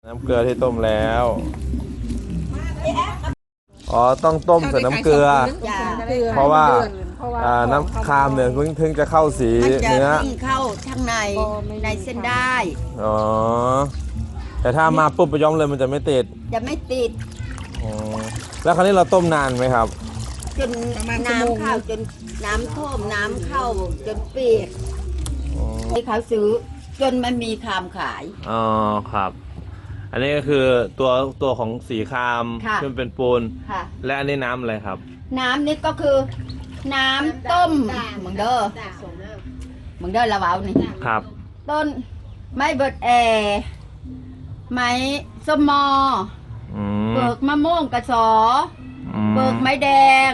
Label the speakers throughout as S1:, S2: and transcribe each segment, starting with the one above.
S1: น้ำเกลือที่ต้มแล้วอ๋อต้องต้มใส่น้ำเกลือเพราะว่าน้ำคามเนี่ยถึงจะเข้าสีเนื้อ
S2: เข้าข้างในเส้นได้
S1: อ๋อแต่ถ้ามาปุ๊บไปย้อมเลยมันจะไม่ติด
S2: จะไม่ติด
S1: อ๋อแล้วคราวนี้เราต้มนานไหมครับ
S2: จนน้ำเข้าจนน้ำท่วมน้ำเข้าจนเปียกที่เขาซื้อจนมันมีคามขาย
S1: อ๋อครับอันนี้ก็คือตัวของสีคามที่มันเป็นปูนและอันนี้น้ำอะไรครับ
S2: น้ำนี่ก็คือน้ำต้มมึงเด้อละเว้านี่
S1: ครับ
S2: ต้นไม้เบิดไม้ส้มมอเบิกมะม่วงกระสอเบิกไม้แดง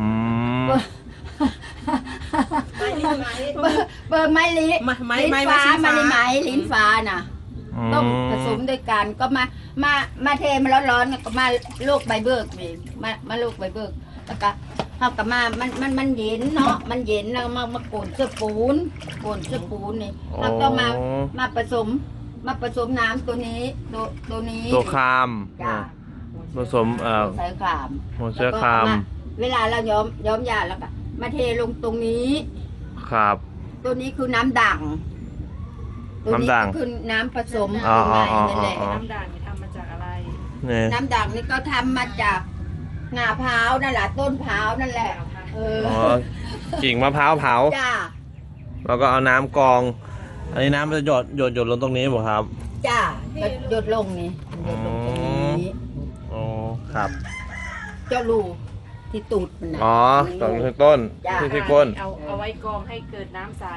S2: เบิกไม้ลิ้นฟ้าลิ้นฟ้าน่ะต้องผสมด้วยกันก็มาเทมาร้อนๆก็มาลูกใบเบิกนี่มาลูกใบเบิกแล้วก็เข้ากับมันเย็นเนาะมันเย็นแล้วมาโกนเสื้อปูนนี่เราต้องมาผสมน้ำตัวนี้
S1: ตัวคามผสม
S2: ใส่คาม
S1: หัวเชื้อคาม
S2: เวลาเราย้อมยาแล้วก็มาเทลงตรงนี้
S1: ครับ
S2: ตัวนี้คือน้ำด่างตัวนี้คือน้ำผสมนั่นแหละ
S3: น้ำด่างนี่ทำมาจากอะไร
S2: น้ำด่างนี่ก็ทำมาจากงาพร้าวนั่นแหละต้นพร้าวนั่นแหละ
S1: กิ่งมะพร้าวเผาแล้วก็เอาน้ำกรองอันนี้น้ำมันจะหยดลงตรงนี้บ่ครับ
S2: จ้าหยดลงนี่หยดลงตรงนี้
S1: อ๋อครับ
S2: เจ้าลูที่ตูดมันนะ
S1: อ๋อตรงที่ต้นที่ก้น
S3: เอาไว้กรองให้เกิดน้ำใส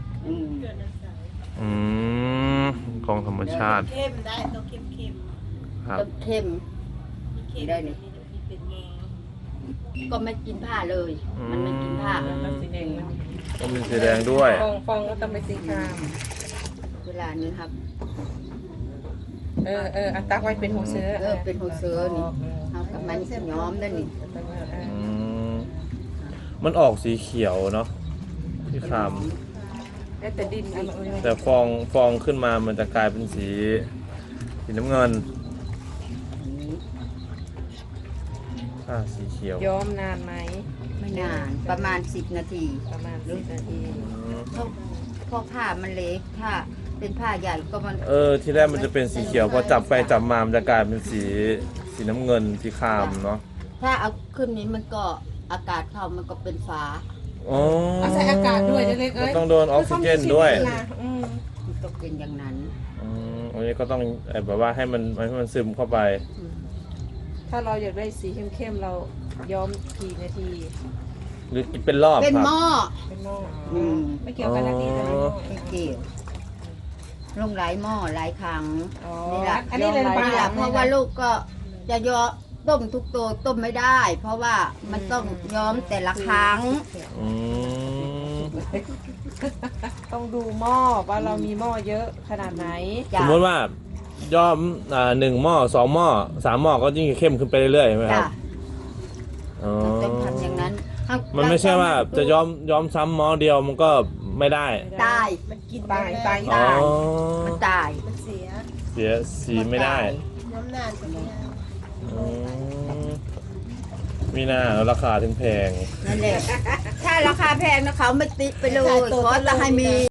S1: กรองธรรมชาติ
S3: เข้มได้ต้องเข้ม
S1: ครับ
S2: เข้มได้นี่ก็ไม่กินผ้าเลยมันไม่กินผ้า
S3: มันสีแดง
S1: ก็มีสีแดงด้วย
S3: ฟองก็ต้องเป็นสีคราม
S2: เวลานี้ครับ
S3: อันตักไว้เป็นหัวเสือ
S2: เป็นหัวเสือนี่เอากับมันย้อมได้นี่
S1: มันออกสีเขียวเนาะที่คาม
S3: แต่ดิน
S1: แต่ฟองขึ้นมามันจะกลายเป็นสีน้ำเงินสีเขียว
S3: ย้อมนานไหม
S2: ไม่นานประมาณ10 นาทีเพราะผ้ามันเล็กถ้าเป็นผ้าใหญ่ก็มัน
S1: ที่แรกมันจะเป็นสีเขียวพอจับไปจับมามันจะกลายเป็นสีน้ำเงินสีครามเนาะ
S2: ถ้าเอาขึ้นนี้มันก็อากาศเข้ามันก็เป็นฟ้า
S3: เอาใส่อากาศด้วยเล็กๆ
S1: ต้องโดนออกซิเจนด้วย
S2: ต้องเป็นอย่างนั้น
S1: อันนี้ก็ต้องแบบว่าให้มันซึมเข้าไป
S3: ถ้าเราอยากได้สีเข้มๆเราย้อมกี่นาที
S1: หรือเป็นรอบ
S2: เป็นหม้อ
S3: ไม่เกี่ยวกันนาทีแต่
S2: ไม่เกี่ยวลงหลายหม้อหลายครั้ง
S3: นี่
S2: แหละอันนี้เลยเพราะว่าลูกก็จะย้อมต้มทุกตัวต้มไม่ได้เพราะว่ามันต้องย้อมแต่ละครั้ง
S3: ต้องดูหม้อว่าเรามีหม้อเยอะขนาดไหน
S1: สมมติว่าย้อม1 หม้อ 2 หม้อ 3 หม้อก็ยิ่งเข้มขึ้นไปเรื่อยๆใช่ไหมครับ
S2: ต้องทำอย่างนั้น
S1: มันไม่ใช่ว่าจะย้อมซ้ำหม้อเดียวมันก็ไม่ได้
S2: ตาย
S3: มันกินตาย
S2: มันตาย
S3: มันเสี
S1: ยสีไม่ได้
S3: ย้อมนานกว่านี้
S1: มีหน้าราคาถึงแพง
S2: นั่นแหละถ้าราคาแพงนะเขาไม่ติดไปเลยขอจะให้มี